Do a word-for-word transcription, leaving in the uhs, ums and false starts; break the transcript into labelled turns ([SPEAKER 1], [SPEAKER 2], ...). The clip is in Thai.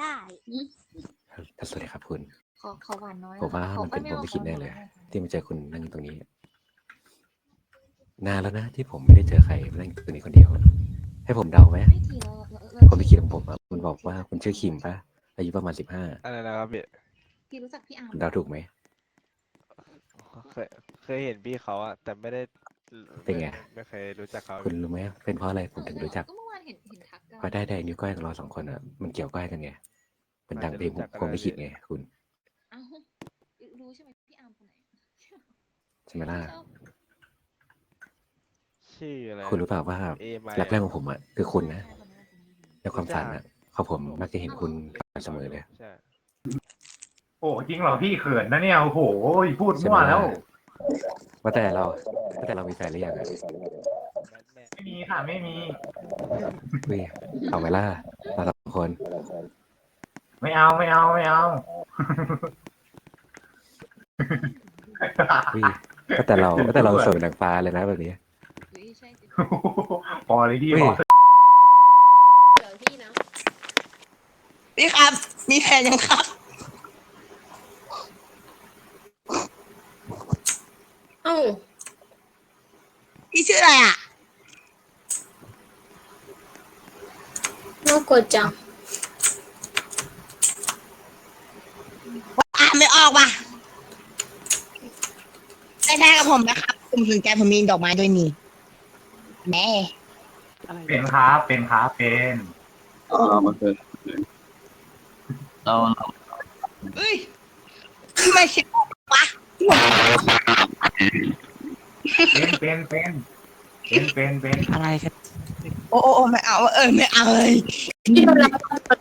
[SPEAKER 1] ได้
[SPEAKER 2] สวัสดีครับคุณ
[SPEAKER 1] ขอขอหวานน้อย
[SPEAKER 2] ผมว่า
[SPEAKER 1] ขอ
[SPEAKER 2] มันเป็น
[SPEAKER 1] ไม่
[SPEAKER 2] ผม
[SPEAKER 1] อา
[SPEAKER 2] ไม่คิดแน่เลย
[SPEAKER 1] ขอ
[SPEAKER 2] ที่มาเจอคุณนั่งอยู่ตรงนี้ นานแล้วนะที่ผมไม่ได้เจอใครมานั่งอยู่ตรงนี้คนเดียว ให้ผมเดาไหม
[SPEAKER 1] ไม่ทีแล้วแล้วแล้ว
[SPEAKER 2] ผมไม่คิดของผมอะคุณบอกว่าคุณชื่อคิมปะอายุประมาณสิบห้า
[SPEAKER 3] อะไรนะครับพี่
[SPEAKER 1] พี่รู้จักพี่อาร์ม
[SPEAKER 2] ผมเดาถูกไหม
[SPEAKER 3] เคยเคยเห็นพี่เขาอะแต่ไม่ได้
[SPEAKER 2] เป็นไง
[SPEAKER 3] ไม่เคยรู้จักเขา
[SPEAKER 2] คุณรู้ไหมเป็นเพราะอะไรผมถึงรู้จัก
[SPEAKER 1] ก็เมื่อวานเห็นเห็นทักกัน
[SPEAKER 2] เพราะได้แดงนิ้วก้อยของเราสองคนอ่ะมันเกี่ยวก้อยกันไงเป็นดังเพลงผมไม่คิดไงคุณ
[SPEAKER 1] อ้าวรู้ใช่ไหมพี่อาร์มคนไหน
[SPEAKER 2] ใช่ไหมล่ะ
[SPEAKER 1] ชอบ
[SPEAKER 3] ชื่ออะไร
[SPEAKER 2] คุณรู้เปล่าว่า
[SPEAKER 3] เอไม
[SPEAKER 2] รักแรกของผมอ่ะคือคุณนะ
[SPEAKER 1] ใช่คนนั้นคนนี้
[SPEAKER 2] ในความฝันอ่ะเขาผมมักจะเห็นคุณเสมอเลย
[SPEAKER 3] ใช่
[SPEAKER 4] โอ้จริงเหรอพี่เขินนะเนี่ยโอ้โหพูด
[SPEAKER 2] ใช่
[SPEAKER 4] มั่
[SPEAKER 2] ไหม
[SPEAKER 4] วแล้
[SPEAKER 2] ล่ะ
[SPEAKER 4] ว
[SPEAKER 2] ว่าแต่เราว่าแต่เรามีแฟนหรือยังอ่ะ
[SPEAKER 3] แบทแมน
[SPEAKER 4] ไม่มีค่ะไม่มี
[SPEAKER 2] เฮ้ยเอาไหมล่ะเราสองคน
[SPEAKER 4] ไม่เอาไม่เอาไม่เอา
[SPEAKER 2] เฮ้ยว่าแต่เราว่าแต่เราสวยเป็นนางฟ้าเลยนะแบบนี้
[SPEAKER 1] เฮ้ยใช่สิ
[SPEAKER 4] พอเลยพี่
[SPEAKER 2] เฮ้ย
[SPEAKER 4] พอ
[SPEAKER 1] เดี๋ยวพี่นะ
[SPEAKER 5] พี่ครับ มีแฟนยังครับ
[SPEAKER 6] เอ้า
[SPEAKER 5] พี่ชื่ออะไรอ่ะ
[SPEAKER 6] น่ากดจัง
[SPEAKER 5] อ่านไม่ออกว่ะได้แท้กับผมนะครับ ผมสนใจผมมีดอกไม้ด้วยนี่แม่
[SPEAKER 4] เป็นครับเป็นครับเป็น
[SPEAKER 7] อ๋อมันเป็นเราเรา
[SPEAKER 5] เฮ้ยทำไมคิดวะ
[SPEAKER 4] เป็นเป็นเป็นเป็นเป็นเป็น
[SPEAKER 5] อะไรกันโอ้โอ้โอ้ไม่เอาเออไม่เอาเลย
[SPEAKER 6] พี่โดนรับ